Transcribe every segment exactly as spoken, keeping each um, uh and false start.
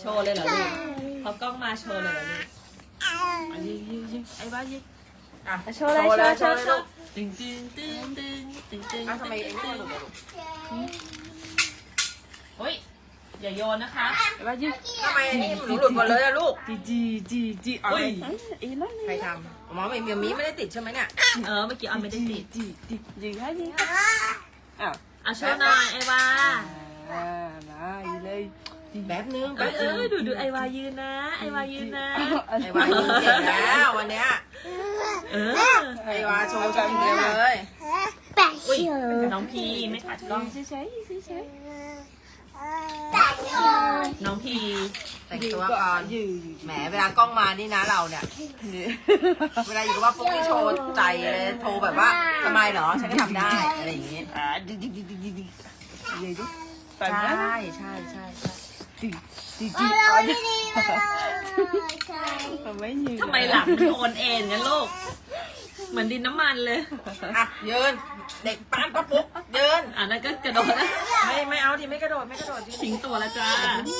ว์เลยเหรอลูกเขากล้องมาโชว์เลยเหรอลูกอ่ะยิงยิงยิงไอ้บ้ายิงอ่ะโชว์เลยโชว์โชว์โชลูว์กตึงตึงตึงตึงตึงตึงอ่ะทำไมไอ้นี่หลุดอ่ะลูกเฮ้ยอย่าโยนนะคะไอ้บ้ายิงทำไมไอ้นี่หนูหลุดหมดเลยอะลูกจีจีจีจีเอาไอ้ไอ้นั่นใครทำหมอไม่เมียมีไม่ได้ติดใช่ไหมเนี่ยเออเมื่อกี้เอาไม่ได้ติดจีจียิงให้ยิงอ้าวอ่ะโชว์หน่อยไอวาอ่านะอีเลยแบบนึงเอแบอบ เอนึงอดูดูไอวายืนนะไอวายืนนะไอ้วายิงเก่งแล้ววันเนี้ยเออไอ้วาโชว์จังเดียวเลยอุ้ยน้องพีไม่ขัดกล้องเฉยเฉยเฉยเฉยน้องพีแต่งตัวก่อนยืยืแหมเวลากล้องมานี่นะเราเนี่ย เวลาอยู่กับว่าปุ๊กนี่โชว์ใจเลยโชว์แบบว่าทำไมเหรอฉันก็ทำได้อะไรอย่างงี้อ่าดิดิดิดิดิดิยืดิใช่ใช่ใช่ใช่ดิดิดิอ๋อดิทำไมยืนทำไมหลังมันโอนเอ็นกันลูกเหมือนดินน้ำมันเลยอ่ะยืนเด็กป้านป้าปุ๊กยืนอ่ะนั่นก็กระโดดนะไม่ไม่เอาดิไม่กระโดดไม่กระโดดดิทิ้งตัวแล้วจ้า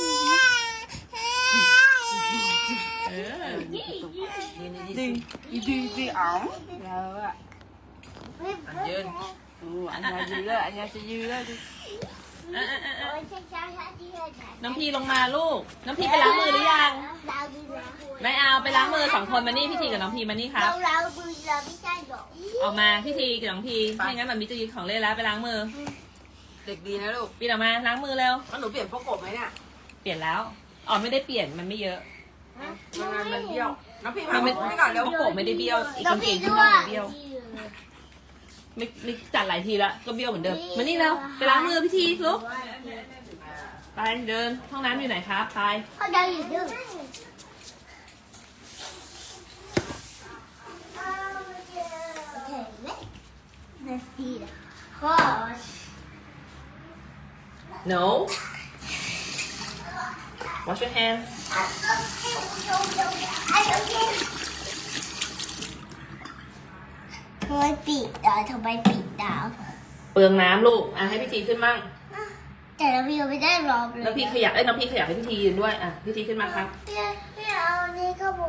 เออยืนดีดิดิดิอ๋อแล้วอ่ะๆยืนอืออันนี้ยืนแล้วอันนี้จะยืนแล้วดิเออเออเออเออน้องพีลงมาลูก น้องพีไปล้างมือหรือยัง ไม่เอาไปล้างมือสองคนมานี่พี่ทีกับน้องพีมานี่ครับ ออกมาพี่ทีกับน้องพีไม่งั้นมันมีจะยิงของเล่นแล้วไปล้างมือเด็กดีนะลูกปีนออกมาล้างมือเร็วแล้วหนูเปลี่ยนพวกกบไหมเนี่ยเปลี่ยนแล้วอ๋อไม่ได้เปลี่ยนมันไม่เยอะมันงานมันเบี้ยวน้องพี่มัมานไม่ปุ๊กนี่ก่อนเร็วพวกผมไม่ได้เบี้ยวอีกกางเกงที่มันไม่เบี้ยวไม่ไม่จัดหลายทีละก็เบี้ยวเหมือนเดิมมานี่เร็วไปล้างมือพี่ทีลูกไปเดินห้องน้ำอยู่ไหนครับไป no wash your hands ทำไมปิดอ่ะทำไมปิดดาวเปลืองน้ำลูกอ่ะให้พี่ทีขึ้นมั่งแต่เรายังไม่ได้รอบเลยแล้วพี่ขยับเอ้ยน้องพี่ขยับให้พี่ทียืนด้วยอ่ะพี่ทีขึ้นมาครับพี่พี่เอาอันนี้ก็บู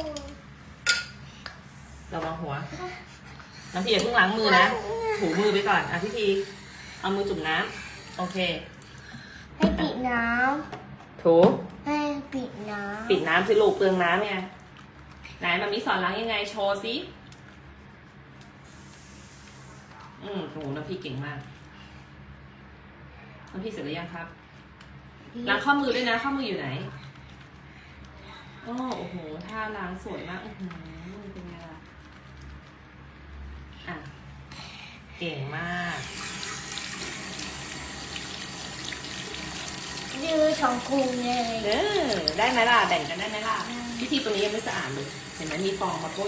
ระวังหัวน้องพี่อย่าเพิ่งล้างมือนะถูมือไปก่อนอ่ะพี่ทีเอามือจุ่มน้ำโอเคให้ปิดน้ถูำให้ปิดน้ำปิดน้ำสิลูกเปลืองน้ำไงไหนมันมีสอนล้างยังไงโชว์สิอืมโหน้องพี่เก่งมากน้องพี่เสร็จหรือยังครับล้างข้อมือด้วยนะข้อมืออยู่ไหนโอ้โอ้โหท่าล้างสวยมากอือหือเป็นไงล่ะอ่ะเก่งมากดื้อสองคุงเลยเออได้ไหมล่ะแบ่งกันได้ไหมล่ะพิธีตรงนี้ยังไม่สะอาดเลยเห็นไหมมีฟองมาโปะ